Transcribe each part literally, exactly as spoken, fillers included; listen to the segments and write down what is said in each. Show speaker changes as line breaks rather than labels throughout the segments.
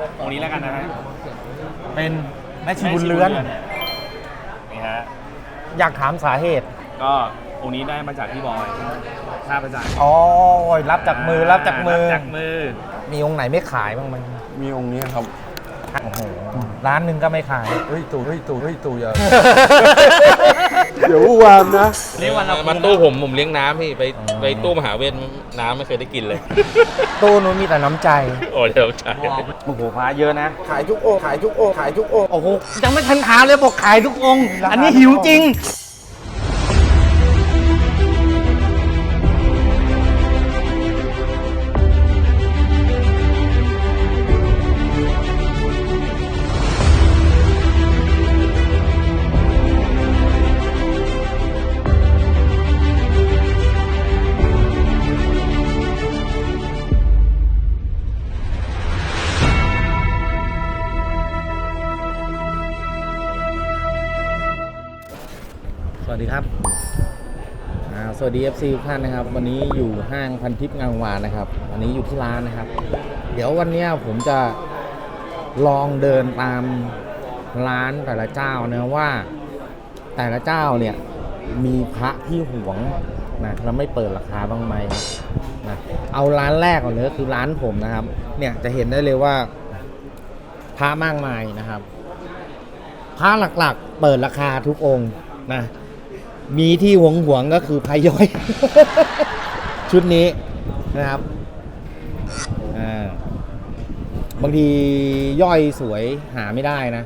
องค์นี้แล้วกันนะฮะ
เป็นแม่ชีบุญเรือน
นี่ฮะ
อยากถามสาเหตุ
ก็องค์นี้ได้มาจากพี่บอยท่าประจัน
อ๋อรับจากมือรับจากมือ
จากมือ
มีองค์ไหนไม่ขายบ้างมัน
มีองค์นี้ครับ
โอ้โหร้านหนึ่งก็ไม่ขาย
เฮ้ยตู่เฮ้ยตู่เฮ้ยตู่อย่าเดี๋ยววานนะ
นี่วันเรา
มาตู้ผมผมเลี้ยงน้ำพี่ไปไปตู้มหาเวทน้ำไม่เคยได้กินเลย
ตู้นู้นมีแต่น้ำใจ
โอ้เดี๋ยวใช่
โอ้โหพระเยอะนะ
ขายทุกองค์ขายทุกองค์ขายทุกองค์
โอ้โหยังไม่ทันถามเลยบอกขายทุกองค์อันนี้หิวจริงสวัสดีครับสวัสดี เอฟ ซี ทุกท่านนะครับวันนี้อยู่ห้างพันทิพย์งามวานนะครับวันนี้อยู่ที่ร้านนะครับเดี๋ยววันนี้ผมจะลองเดินตามร้านแต่ละเจ้านะว่าแต่ละเจ้าเนี่ยมีพระที่หวงนะแล้วไม่เปิดราคาบ้างไหมนะเอาร้านแรกก่อนเลยคือร้านผมนะครับเนี่ยจะเห็นได้เลยว่าพระมากมายนะครับพระหลักๆเปิดราคาทุกองค์นะมีที่หวงหวงก็คือพาย่อย ชุดนี้นะครับอ่าบางทีย่อยสวยหาไม่ได้นะ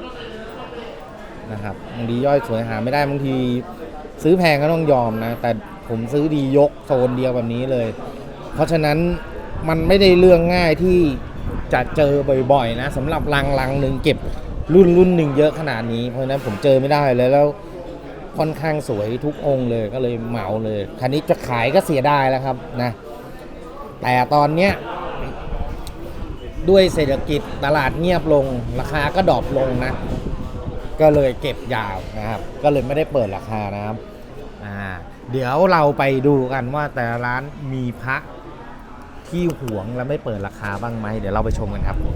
นะครับบางทีย่อยสวยหาไม่ได้บางทีซื้อแพงก็ต้องยอมนะแต่ผมซื้อดียกโซนเดียวแบบนี้เลยเพราะฉะนั้นมันไม่ได้เรื่องง่ายที่จะเจอบ่อยๆนะสำหรับลังลังหนึ่งเก็บรุ่นรุ่นหนึ่งเยอะขนาดนี้เพราะฉะนั้นผมเจอไม่ได้เลยแล้วค่อนข้างสวยทุกองค์เลยก็เลยเหมาเลยคันนี้จะขายก็เสียดายแล้วครับนะแต่ตอนเนี้ยด้วยเศรษฐกิจตลาดเงียบลงราคาก็ดรอปลงนะก็เลยเก็บยาวนะครับก็เลยไม่ได้เปิดราคานะครับอ่าเดี๋ยวเราไปดูกันว่าแต่ร้านมีพระที่หวงแล้วไม่เปิดราคาบ้างไหมเดี๋ยวเราไปชมกันครับ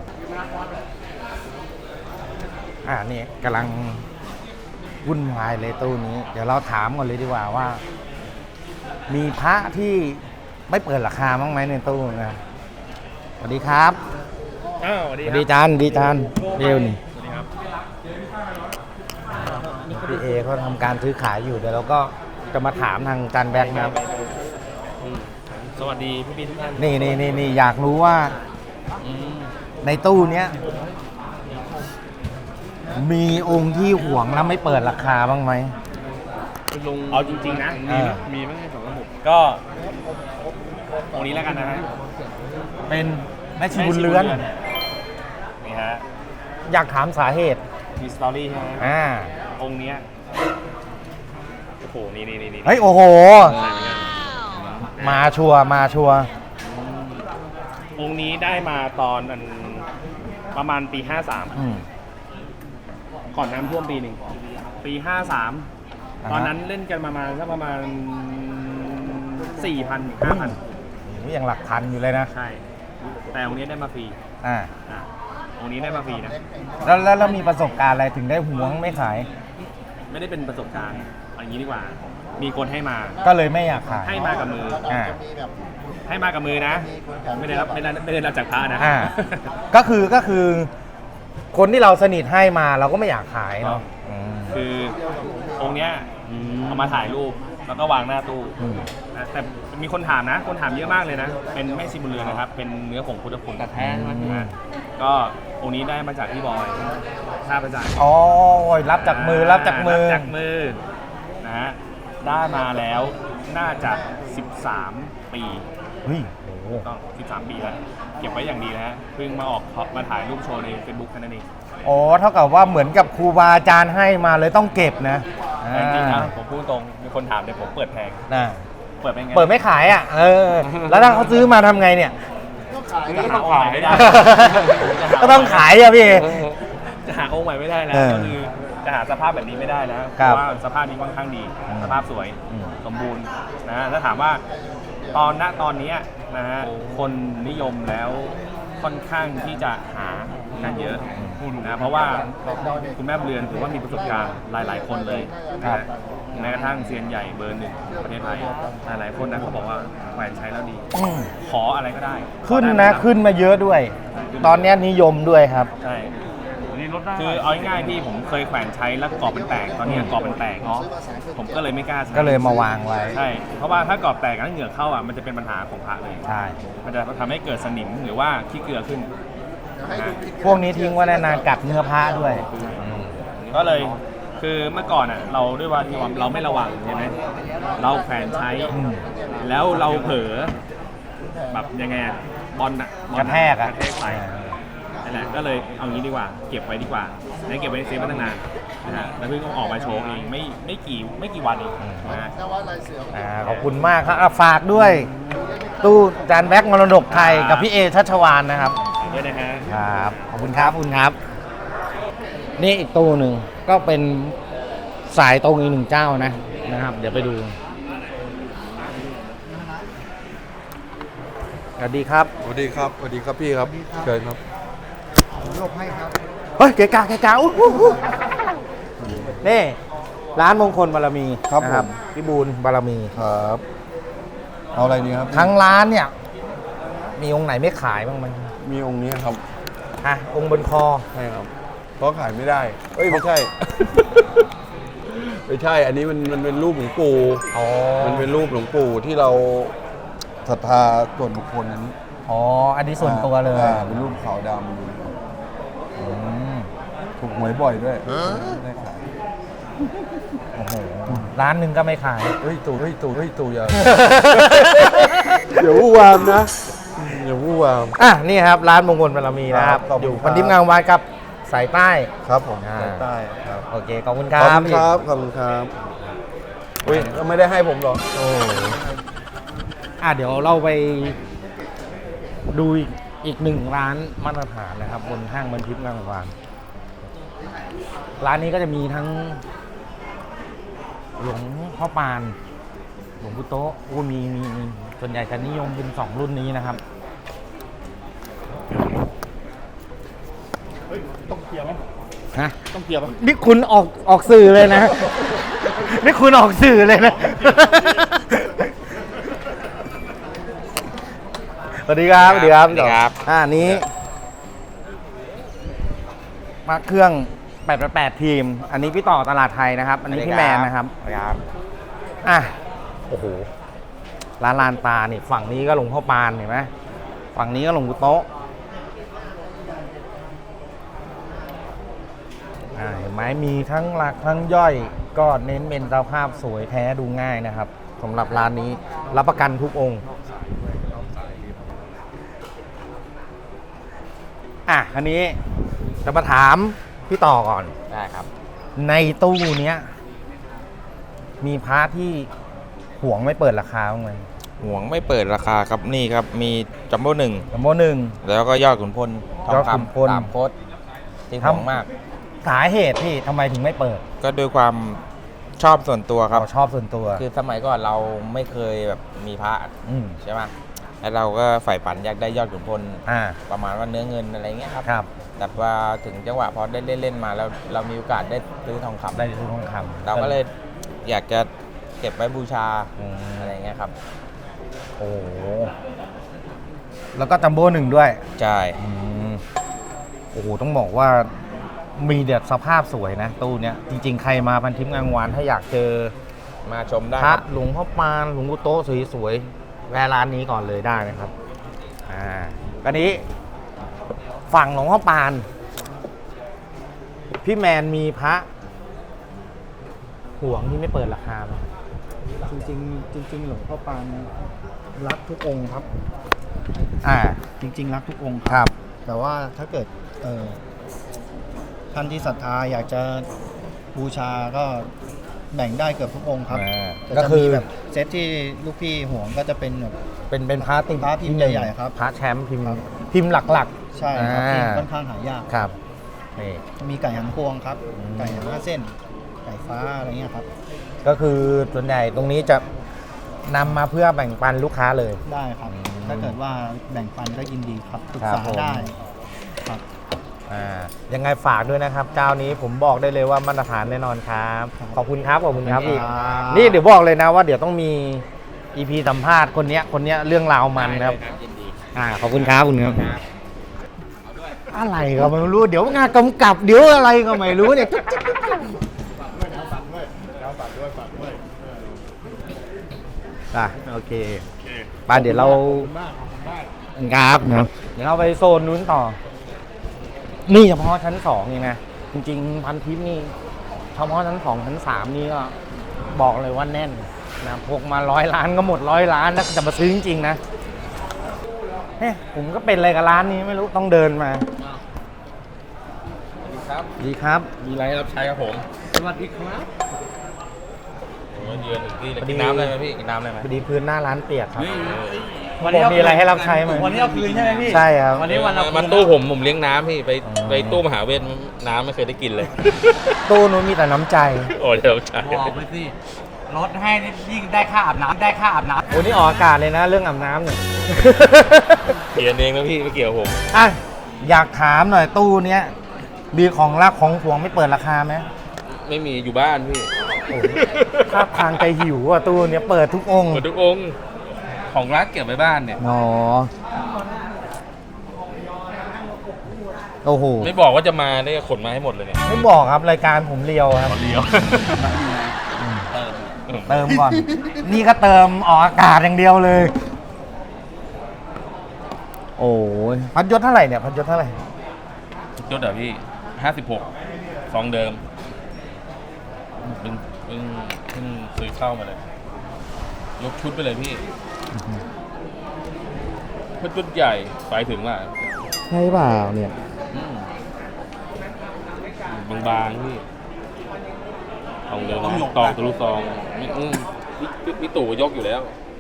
อ่านี่กำลังวุ่นวายเลยตู้นี้เดี๋ยวเราถามก่อนเลยดีกว่าว่ามีพระที่ไม่เปิดราคาบ้างไหมในตู้นะสวัสดีครับ
อ้าวสวัสดีครับ
ดีจานดีจานเร็วนี่
สวัสดีครับ
พี่เอเขาทำการซื้อขายอยู่เดี๋ยวเราก็จะมาถามทางจานแบงค์นะครับ
สวัสดีพี่พี่ทุกท่าน
นี่นี่นี่นี่อยากรู้ว่าในตู้เนี้ยมีองค์ที่หวงแล้วไม่เปิดราคาบ้างไหม
ลุงเอาจริงๆนะมีมีไม่ใช่สองระบบก็องค์นี้แล้วกันนะฮะ
เป็นแม่ชีบุญเรือน
นี่ฮะ
อยากถามสาเหตุ
มีสตอรี่ใช่ไหม
อ่า
องค์เนี้ยโอ้โหนี่นี่นี่
เฮ้ยโอ้โหมาชัวมาชัว
องค์นี้ได้มาตอนประมาณปีห้าสามก่อนน้ำท่วมปีหนึ่งปีห้าสามตอนนั้นเล่นกันประมาณสักประมาณสี่พันห้าพัน
ยังหลักพันอยู่เลยนะ
ใช่แต่องค์นี้ได้มาฟรี
อ่า
องค์นี้ได้มาฟรีนะ
แล้วแล้วมีประสบการณ์อะไรถึงได้หวงไม่ขาย
ไม่ได้เป็นประสบการณ์อย่างนี้ดีกว่ามีคนให้มา
ก็เลยไม่อยากขาย
ให้มากับมืออ่าให้มากับมือนะไม่ได้รับไม่ได้ไม่ได้รับจากพระนะ
อ่าก็คือก็คือคนที่เราสนิทให้มาเราก็ไม่อยากขายเนาะ
คือองค์เนี้ยเอามาถ่ายรูปแล้วก็วางหน้าตู้แต่มีคนถามนะคนถามเยอะมากเลยนะเป็นแม่ชีบุญเรือนนะครับเป็นเนื้อผงพุทธคุณแต่แท้นะก็องค์นี้ได้มาจากพี่บอยท่าประจัน
อ๋อรับจากมือรับจากมือ
จากมือนะฮะได้มาแล้วน่าจะสิบสามปี
เฮ้ย
ต้องสิบสามปีแล้วเก็บไว้อย่างดีนะฮะเพิ่งมาออกมาถ่ายรูปโชว์ใน Facebook แค่นั้นเอง
อ๋อเท่ากับว่าเหมือนกับครูบาอาจารย์ให้มาเลยต้องเก็บนะ
จริงๆนะผมพูดตรงมีคนถามเดี๋ยวผมเปิดแพง
นะ
เปิดไม่ไง
เปิดไม่ขายอ่ะเออแล้วถ้าเขาซื้อมาทำไงเนี่ย
ก็ต้องขายไม่ได้
ก็ต้องขายอ่ะพี่
จะหาองค์ใหม่ไม่ได้แล้วก็คือจะหาสภาพแบบนี้ไม่ได้นะเพราะว่าสภาพนี้ค่อนข้างดีสภาพสวยสมบูรณ์นะถ้าถามว่าตอนณตอนนี้นะฮะคนนิยมแล้วค่อนข้างที่จะหากันเยอะนะเพราะว่าคุณแม่บุญเรือนถือว่ามีประสบการณ์หลาย ๆ คนเลยนะแม้กระทั่งเซียนใหญ่เบอร์หนึ่งของประเทศไทยหลายๆคนนะเขาบอกว่าแขวนใช้แล้วดี
อืม
ขออะไรก็ได้
ขึ้น
ขอได้
นะ
หมด
ขึ้นมาเยอะด้วย ตอนเนี้ยนิยมด้วยครับ
ใช่คือเอาง่ายๆพี่ผมเคยแขวนใช้แล้วกรอบเป็นแตกตอนนี้กรอบเป็นแตกเนาะผมก็เลยไม่กล้าใช้
ก็เลยมาวางไว้
ใช่เพราะว่าถ้ากรอบแตกแล้วเหงื่อเข้าอ่ะมันจะเป็นปัญหาของพระเลย
ใช่
มันจะทำให้เกิดสนิมหรือว่าขี้เกลือขึ้นนะ
พวกนี้ทิ้งไว้นานๆกัดเนื้อผ้าด้วย
ก็เลยคือเมื่อก่อนอ่ะเราด้วยว่าที่ว่าเราไม่ระวังใช่ไหมเราแขวนใช้
อืม
แล้วเราเผลอแบบยังไงอะบอลอ่ะบอล
กระแทกอะ
กระแทกไปนั่นแหละก็เลยเอางี้ดีกว่าเก็บไว้ดีกว่าแล้วเก็บไว้ในเซฟไว้ตั้งนานนะฮะแล้วเพิ่งเอาออกมาโชว์เองไม่ไม่กี่ไม่กี่วันเองนะฮะ
อ่าขอบคุณมากครับอ่ะฝากด้วย ตู้จานแบ็กมรดกไทยกับพี่เอชัชวานนะครับ
ด้วยนะฮะ
ครับ ขอบคุณครับขอบคุณครับ นี่อีกตู้หนึ่งก็เป็นสายตรงอีกหนึ่งเจ้านะนะครับ เดี๋ยวไปดูสวัสดีครับ
สวัสดีครับสวัสดีครับพี่ครับเชิญครับ
เฮ้ยเกะกะเกะกะอู้หูหูนี่ร้านมงคลบารมี
ครับ
นะ
ผม
พี่บูลบารมี
ครับเอาอะไรดีครับ
ทั้งร้านเนี่ย มีองค์ไหนไม่ขายบ้างไหม
มีองค์นี้ครับ
อ่ะองค์บนคอ
ใช่ครับเพราะขายไม่ได้เอ้ยไม่ใช่ ไม่ใช่ อันนี้มันมันเป็นรูปหลวงปู่
อ๋อ
มันเป็นรูปหลวงปู่ที่เราศรัทธาส่วนบุคคลนั้น
อ๋ออันนี้ส่วนตัวเลย
อ่าเป็นรูปขาวด
อืม
ำถูกหวยบ่อยด้วยได้ขาย
โอ้โหร้านหนึ่งก็ไม่ขาย
เฮ้ยตู่เฮ้ยตู่เฮ้ยตู่อย่า อย่าวู่วามนะอย่าวู่วาม
อ่ะนี่ครับร้านมงคลบารมีนะครับ
ครับขอบคุณ
อยู่
ครับ
พันทิพย์งามวานกับสายใต้
ครับผม
อ่า
ใต้ใต้ครับ
โอเคขอบคุณค
ข
รั
อบบ คุณครับขอบคุณครับอุ้ยก็ไม่ได้ให้ผมหรอก
โอ้อ่ะเดี๋ยวเราไปดูอีกอีกหนึ่งร้านมาตรฐานนะครับ บนห้างพันทิพย์งามวานร้านนี้ก็จะมีทั้ง หลวงพ่อปาน หลวงปู่โต๊ะอู้มีมีมีส่วนใหญ่จะนิยมเป็นสองรุ่นนี้นะครับ
ต้องเคลียร์ไหม
ฮะ
ต้องเคลียร์ไหม
นี่คุณออกออกสื่อเลยนะ นี่คุณออกสื่อเลยนะ สวัสดีครับ
สวัสดีครับสวัสดีครับ
อ่านี้มาเครื่องแปดแปดทีม อันนี้พี่ต่อตลาดไทยนะครับ อันนี้พี่แมนนะครับ
ครับ
อ่ะ โอ้โห ร้านลานตาเนี่ยฝั่งนี้ก็หลวงพ่อปานเห็นไหมฝั่งนี้ก็หลวงปู่โต๊ะอ่าเห็นไหมมีทั้งหลักทั้งย่อย ก็เน้นเป็นสภาพสวยแท้ดูง่ายนะครับสำหรับร้านนี้รับประกันทุกองค์ อ่ะ อันนี้จะมาถามพี่ต่อก่อน
ได้ครับ
ในตู้เนี้ย มีพระที่ห่วงไม่เปิดราคาบ้างไหม
ห่วงไม่เปิดราคาครับนี่ครับ มีจัมโบ้หนึ่ง
จัมโบ้หนึ่ง
แล้วก็ยอดขุนพลทอง
ยอดขุนพล
คำสามโคตรที่
ครับ
ห่วงมาก
สาเหตุที่ทำไมถึงไม่เปิด
ก็ด้วยความชอบส่วนตัวครับ
เราชอบส่วนตัว
คือสมัยก่อนเราไม่เคยแบบมีพระ
อืม
ใช่ไหมแล้วเราก็ใฝ่ฝันอยากได้ยอดขุนพล
อ่า
ประมาณว่าเนื้อเงินอะไรเงี้ยครับ
ครับ
แต่ว่าถึงจังหวะพอได้เล่นเล่นๆมาแล้วเรามีโอกาสได้ซื้อทองคำ
ได้ซื้อทองคำ
เราก็เลยอยากจะเก็บไว้บูชา
อืม
อะไรเงี้ยครับ
โอ้โหแล้วก็จัมโบ้หนึ่งด้วย
ใช่
อืมโอ้โห ต้องบอกว่ามีเด็ดสภาพสวยนะ ตู้เนี้ย จริงๆ ใครมาพันทิพย์งามวานถ้าอยากเจอ
มาชมได้
พ
ค
ระ
รับ
หลวงพ่อปานหลวงปู่โต๊ะสวยๆแวะร้านนี้ก่อนเลยได้นะครับ อ่าอันนี้ฝั่งหลวงพ่อปาน พี่แมนมีพระห่วงที่ไม่เปิดราคาไหม
จริงๆจริงๆหลวงพ่อปานรักทุกองค์ครับ
อ่า
จริง ๆ รักทุกองค์
ครับ
แต่ว่าถ้าเกิดเอ่อท่านที่ศรัทธาอยากจะบูชาก็แบ่งได้เกือบทุกองค์ครับ
อ่า
แต่
ก็
จะ
คื
มี
อ
แบบเซตที่ลูกพี่ห่วงก็จะเป็นแบบ
เป็นเป็นพระติ
พระพิมพ์ใหญ่ๆครับ
พระแชมป์พิมพ์
ครับ
พิมพ์หลัก
ใช่ครับที่
อ่า
ค่อนข้างหายาก
ๆ ครับนี่
มีไก่หันพวงครับ
อืม
ไก่หันห้าเส้น ไก่ฟ้าอะไรเงี้ยครับ
ก็คือส่วนใหญ่ตรงนี้จะนำมาเพื่อแบ่งปันลูกค้าเลย
ได้ครับ
อืม
แต่ถ้าเกิดว่าแบ่งปันก็ยินดีครับปรึก
ครั
ษา
บผม
ได้ครับ
อ่ายังไงฝากด้วยนะครับ เจ้านี้ผมบอกได้เลยว่ามาตรฐานแน่นอนครับขอบคุณครับขอบคุณครับพี่
ครับ
นี่เดี๋ยวบอกเลยนะว่าเดี๋ยวต้องมี อี พี สัมภาษณ์คนเนี้ยคนเนี้ยเรื่องราวมันครับอ่าขอบคุณครับคุณครับอะไรก็ไม่รู้เดี๋ยวงานกำกับเดี๋ยวอะไรก็ไม่รู้เนี่ยอ่ะโอเคไปเดี๋ยวเราครับนะเดี๋ยวเราไปโซนนู้นต่อ นี่เฉพาะชั้นสองนี่นะจริงๆพันทิปนี่เฉพาะชั้นสองชั้นสามนี่ก็บอกเลยว่าแน่นนะพกมาร้อยล้านก็หมดร้อยล้านนะจะมาซื้อจริงๆนะเฮ้ยผมก็เป็นอะไรกับร้านนี้ไม่รู้ต้องเดินมาสวัสดีครับ
มีอะไรให้รับใช้ครับผม
สวัสดีครับ
ผมมาเยือนถึงที่เลยกินน้ำเลยไหมพี่กินน้ำเลยไหม
พอดีพื้นหน้าร้านเปียกครับ
วันนี้
บอกมีอะไรให้รับใช้ไหม
วันนี้เอาคืนใช่ไหมพี่
ใช่ครับ
วันนี้วันเอาคืน
มาตู้ผมผมเลี้ยงน้ำพี่ไป
อ๋อ
ไปตู้มหาเวทน้ำไม่เคยได้กินเลย
ตู้นู้นมีแต่น้ำใจ
โอ้เดี๋ยวใช่
บอกไปสิลดให้นี่ยิ่งได้ค่าอาบน้ำได้ค่าอาบน้
โอ้นี่ออกอากาศเลยนะเรื่องอาบน้ำเนี่ย
เขียนเองนะพี่ไม่เกี่ยวกับผม
อ่ะอยากถามหน่อยตู้เนี้ยมีของรักของหวงไม่เปิดราคาไหม
ไม่มีอยู่บ้านพี่
ถ้าทางใจหิวอ่ะตู้เนี้ยเปิดทุกองค์
หมดทุกองค์ของรักเก็บไว้บ้านเนี่ย
อ๋อโอ้โห
ไม่บอกว่าจะมาได้ขนมาให้หมดเลยเนี่ย
ไม่บอกครับรายการผมเรียวครับ
ขอเลี้ยว
เติมก่อน นี่ก็เติมออกอากาศอย่างเดียวเลย โอ้ยพัดยศเท่าไหร่เนี่ยพัดยศเท่าไหร่
ยศเหรอพี่ห้าสิบหกซองเดิมเพิ่งเพิ่งเพิ่งซื้อเข้ามาเลย ยกชุดไปเลยพี่ชุดชุดใหญ่ไปถึงว่า
ใช่เปล่าเนี่ย
อืมบางๆพี่ซองเดิมนะตองทะลุซองนี่อืมพี่พี่พี่ตู่ยกอยู่แล้ว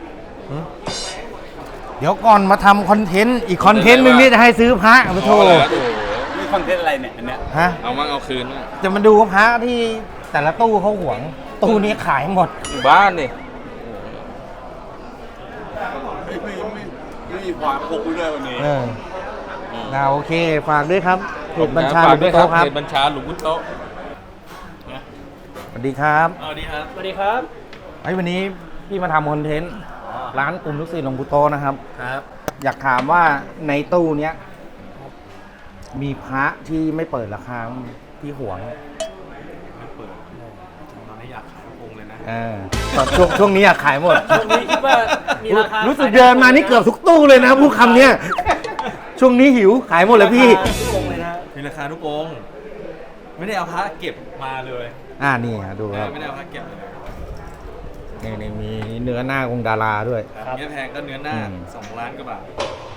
เดี๋ยวก่อนมาทำคอนเทนต์อีกคอนเทนต์หนึ่งนี่จะให้ซื้อพระมาโทร
เอาแล้วโอ้โห
นี่คอนเทนต์อะไรเนี่ยอันเนี้ย
ฮะ
เอามั่งเอาคืนมั่ง
จะมาดูว่าพระที่แต่ละตู้เขาหวง ตู้นี้ขายหมด
อยู่บ้านนี่
ไม่มีความพกด้วยวันนี้
เออนะโอเค ฝากด้วยครับเพจบัญชาห
ฝ
ลุ
ก
ด
ด้วย
โต๊ะครับ
เพจบัญชาหลุมพุโต๊ะ
สวัสดีครับ
สวัสดีครับ สวัสดีครับ
ไอ้วันนี้พี่มาทำคอนเทนต์ร้านกลุ่มลูกศิษย์หลวงปู่โตนะครับ
ครับ
อยากถามว่าในตู้เนี้ยมีพระที่ไม่เปิดราคาที่หวง
ตอนนี้อยากขายองค์เลยนะ
เออตอนช่วงช่วงนี้อยากขายหมด
ช่วงนี้คิดว่ามีราคา
รู้สึกเดินมานี่เกือบทุกตู้เลยนะพูดคำเนี้ยช่วงนี้หิวขายหมดเลยพี่
ทุกองค์เลยนะมีราคาทุกองค์ไม่ได้เอาพระเก็บมาเลย
อ่านี่ฮะดูครับ
ไม่ได้เอาพระเก็บเลย
นี่นี่มีเนื้อหน้าองค์ดาราด้วย
ครับเนื้อแพงก็เนื้อหน้า
อืม
สองล้านกว่าบาท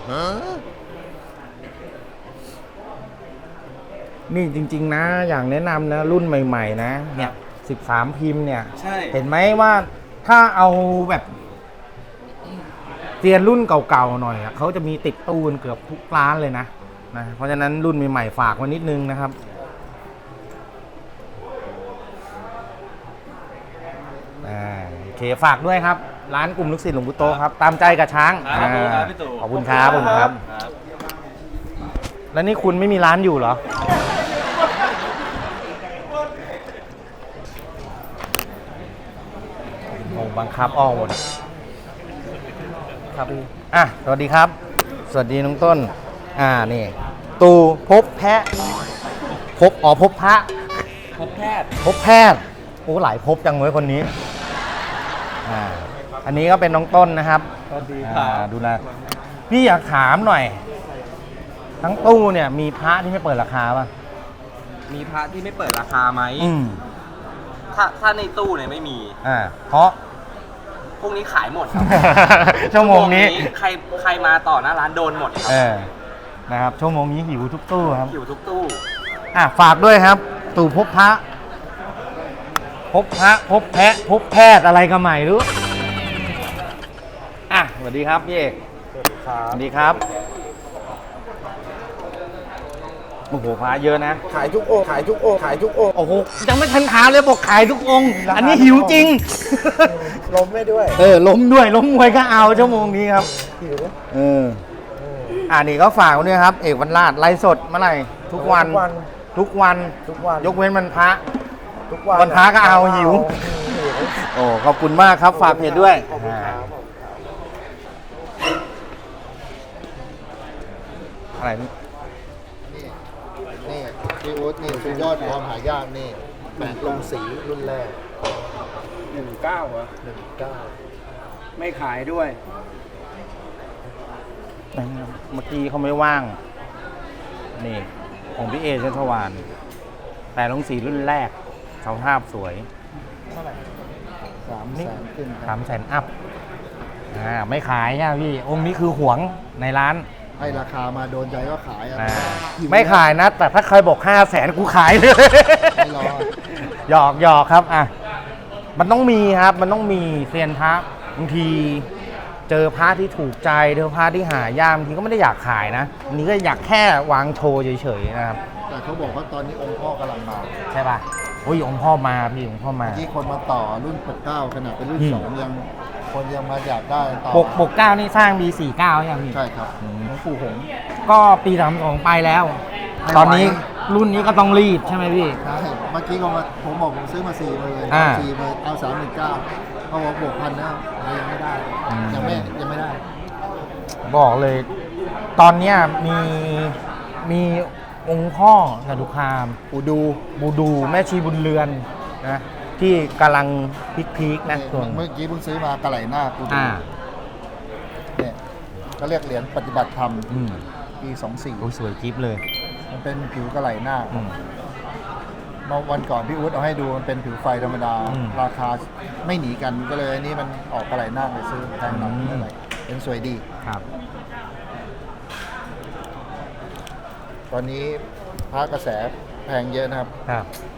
นี่จริง ๆ นะ อย่างแนะนำนะ รุ่นใหม่ ๆ นะ เนี่ยสิบสามพิมพ์เนี่ย
ใช่
เห็นไหมว่าถ้าเอาแบบเซียนรุ่นเก่าๆหน่อยอะเขาจะมีติดตู้กันเกือบทุกร้านเลยนะนะ เพราะฉะนั้นรุ่นใหม่ๆฝากไว้นิดนึงนะครับอ่าโอเคฝากด้วยครับ ร้านกลุ่มลูกศิษย์หลวงปู่โตครับ ตามใจกับช้าง
ครับ
อ่า
ครับพี่ตู่
ขอบคุณครับขอบคุณครับ
ครับ
แล้วนี่คุณไม่มีร้านอยู่เหรอ โอ้บังคับออกหมดครับพี่อ่ะ สวัสดีครับ สวัสดีน้องต้น อ่า นี่ ตูพบแพะ พบ อ๋อ พบพระ
พบแพทย์
พบแพทย์ โอ้ หลายพบจังเลยคนนี้ อ่า อันนี้ก็เป็นน้องต้นนะครับ
สวัสดีค
อ่า
รับ
ดูแลพี่อยากถามหน่อย ทั้งตู้เนี่ยมีพระที่ไม่เปิดราคาป่ะ
มีพระที่ไม่เปิดราคาไหม
อืม
ถ้าถ้าในตู้เนี่ยไม่มี
อ่า เพราะ
พวกนี้ขายหมดครับ
ชั่วโมงนี้
ใครใครมาต่อหน้าร้านโดนหมดครั
เออ นะครับ ชั่วโมงนี้หิวทุกตู้ครับ
อยู่ทุกตู้
อ่ะ ฝากด้วยครับ ตู่พบพระ พบพระ พบแพะ พบแพทย์อะไรก็ใหม่รู้ อ่ะ สวัสดีครับพี่เอก สวัสดีครับ สวัสดีครับโอ้โหพระเยอะนะ
ขายทุกองค์ขายทุกองค์ขายทุกองค์
โอ้โหยังไม่ทันถามเลยบอกขายทุกองค์ อันนี้หิวจริง
ล้มไม่ด้วย
เออล้มด้วยล้มมวยก็เอาชั่วโมงนี้ครับ
หิว
เอออ่านี่ก็ฝากไว้ด้วยครับ เอกวันลาดไลฟ์สดเมื่อไหร่ทุกวัน
ทุกวัน
ทุกวัน
ทุกวัน
ยกเว้นวันพระ
ทุกวัน
วันพระก็เอาหิว
หิว
โอ้ขอบคุณมากครับ ฝากเพจด้วยอ่าอะไรนี่
นี่พี่อุ๊ดนี่สุดยอดความหายากนี่แปะลงสีรุ่นแรก
หนึ่งเก้าเหรอ
หนึ่งเก้า
ไม่ขายด้วย
เมื่อกี้เขาไม่ว่าง นี่ ของพี่เอชัชวานแต่ลงสีรุ่นแรกสภาพสวย
สามแสนขึ้นค
สา
รับ
มแสนอัพอ่าไม่ขายอ่ะพี่ องค์นี้คือหวงในร้าน
ให้ราคามาโดนใจก็ขายอ่ะ
อ่า
หิว
ไม่ขายนะ แต่ถ้าใครบอกห้าแสนกูขายเลย
ไม่รอ
หยอกหยอกครับอ่ะมันต้องมีครับ มันต้องมีเซียนพระบางทีเจอพระที่ถูกใจเจอพระที่หายากบางทีก็ไม่ได้อยากขายนะอันนี้ก็อยากแค่วางโชว์เฉยๆนะครับ
แต่เขาบอกว่าตอนนี้องค์พ่อกำลังมา
ใช่ป่ะโอ้ยองค์พ่อมาพี่องค์พ่อมา
ที่คนมาต่อรุ่นแปดเก้าขนาดเป็นรุ่น
อืม
สองยังคนยังมาอยากได้ต่อ
ปกปกเก้านี่สร้างปีสี่เก้ายังพี่
ใช่ครับ
อืม
หลวงปู่หงส์
ก็ปีสามสองไปแล้ว
ไม่ไหว
ตอนนี้รุ่นนี้ก็ต้องรีบใช่ไหมพี่
ใช่เมื่อกี้ก็มาผมบอกผมซื้อมาสี่หมื่น
อ่า
สี่หมื่นเอาสามหมื่นเก้าเขาบอกบวกพันแล้วยังไม่ได้
อืม
ยังไม่ยังไม่ได้
บอกเลย ตอนเนี้ยมีมีองค์พ่อจตุคามปูดูบูดูแม่ชีบุญเรือนนะที่กำลังพีคๆนะส่วน
เมื่อกี้เพิ่งซื้อมากระไหลหน้ากูดู
อ่า
เนี่ยก็เรียกเหรียญปฏิบัติธรรม
อืม
ปีสองสี่
โอ้ยสวยจิ๊บเลย
มันเป็นผิวกระไหลหน้า
อืม
เมื่อวันก่อนพี่อุ๊ดเอาให้ดูมันเป็นผิวไฟธรรมดา
อืม
ราคาไม่หนีกันก็เลยอันนี้มันออกกระไหลหน้าไปซื้อแพงหน่อย
อืม
เท่าไหร่เป็นสวยดี
ครับ
ตอนนี้พระกระแสแพงเยอะนะครับ
ครับ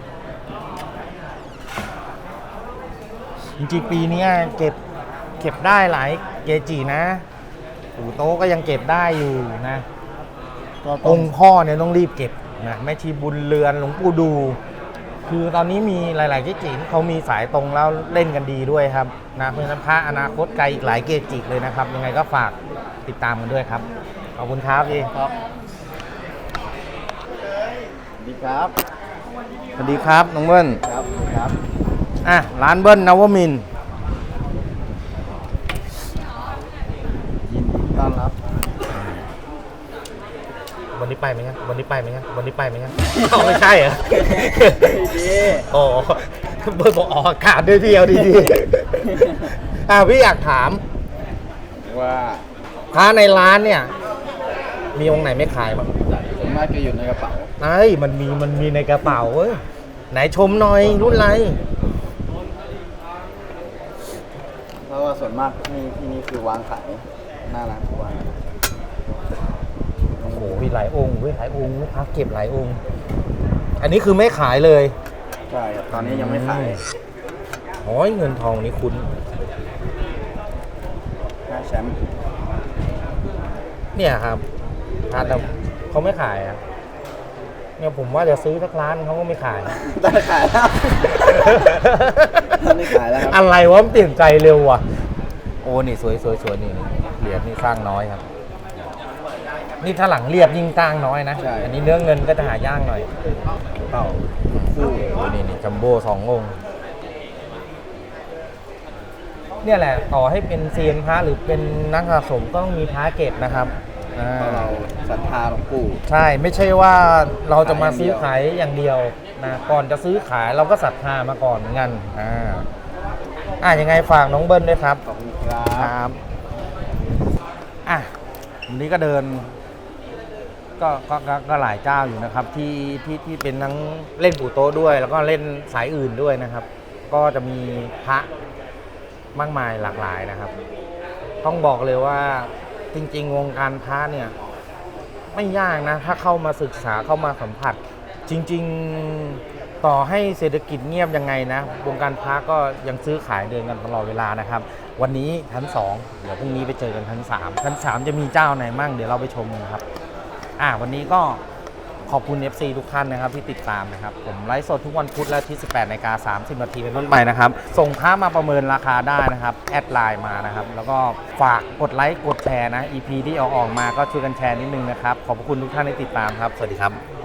จริงๆปีเนี้ยเก็บเก็บได้หลายเกจินะปู่โต๊ะก็ยังเก็บได้อยู่นะ
ก็
อ
ต้อง
งค์พ่อเนี่ยต้องรีบเก็บนะแม่ชีบุญเรือนหลวงปู่ดู คือตอนนี้มีหลาย ๆ เกจิที่เขามีสายตรงแล้วเล่นกันดีด้วยครับนะเพราะฉะนั้นพระอนาคตไกลอีกหลายเกจิเลยนะครับ ยังไงก็ฝากติดตามกันด้วยครับ ขอบคุณครับพี่
ครับดีครับ
สวัสดีครับน้องเบิ้ล
ครับครับ
อ่ะร้านเบิ้ลนวมินทร์
ยินดีต้อนรับ
วันนี้ไปไหมครับวันนี้ไปไหมครับวันนี้ไปไหมครับ เอาไม่ใช่เหรอโอ้เบิ้ลบอกออกอากาศด้วยพี่เอาดีๆอ่ะพี่อยากถาม
ว่า
พระในร้านเนี่ย มีองค์ไหนไม่ขายบ้าง
ผมน่าจะอยู่ในกระเป๋า
ไอ้มันมีมันมีในกระเป๋าเว้ยไหนชมหน่อยรุ่นอะไร
เพราะว่าส่วนมากที่ที่นี่คือวางขายหน้าร้านทุกวัน
โอ้โหมีหลายองค์เว้ยหลายองค์ลูกค้าเก็บหลายองค์ อันนี้คือไม่ขายเลย
ใช่ครับตอนนี้ยังไม่ขาย
โอ้ยเงินทองนี่คุณ
หน้าแชมป์
เนี่ยครับร้านแต่เขาไม่ขายอ่ะเนี่ยผมว่าจะซื้อสักร้านเขาก็ไม่ขาย
ได้ขายแล้วตอนนี้ขายแล้วครับ
อะไรวะมันเปลี่ยนใจเร็วว่ะ โอ้นี่สวยสวยสวยนี่เหรียญนี่สร้างน้อยครับ นี่ถ้าหลังเรียบยิ่งสร้างน้อยนะ
ใช่
อันนี้เนื้อเงินก็จะหายากหน่อย
เปล่า
คู่โอ้นี่นี่จัมโบ้สององค์เนี่ยแหละต่อให้เป็นเซียนพระหรือเป็นนักสะสมก็ต้องมีพระเก็บนะครับอ่า
เพราะเราศรัทธาหลวงปู่
ใช่ไม่ใช่ว่าเราจะมาซื้อขายอย่างเดียวนะก่อนจะซื้อขายเราก็ศรัทธามาก่อนเหมือนกันอ่าอ่ะยังไงฝากน้องเบิ้ลด้วยครับ
ขอบคุณครั
ค
บ
รับอ่ะวันนี้ก็เดินก็ก็ก็ก็หลายเจ้าอยู่นะครับ ที่ที่ที่เป็นทั้งเล่นปู่โต๊ะด้วย แล้วก็เล่นสายอื่นด้วยนะครับ ก็จะมีพระมากมายหลากหลายนะครับ ต้องบอกเลยว่าจริง ๆ วงการพระเนี่ยไม่ยากนะ ถ้าเข้ามาศึกษาเข้ามาสัมผัส จริง ๆต่อให้เศรษฐกิจเงียบยังไงนะวงการพระก็ยังซื้อขายเดินกันตลอดเวลานะครับ วันนี้ชั้นสองเดี๋ยวพรุ่งนี้ไปเจอกันชั้นสามชั้นสามจะมีเจ้าไหนมั่งเดี๋ยวเราไปชมกันครับอ่าวันนี้ก็ขอบคุณ เอฟ ซี ทุกท่านนะครับที่ติดตามนะครับผมไลฟ์สดทุกวันพุธและที่ สิบแปดนาฬิกาสามสิบนาทีเป็นต้นไปนะครับส่งพระมาประเมินราคาได้นะครับแอดไลน์มานะครับแล้วก็ฝากกดไลค์กดแชร์นะ อี พี ที่เอาออกมาก็ช่วยกันแชร์นิดนึงนะครับขอบคุณทุกท่านที่ติดตามครับสวัสดีครับ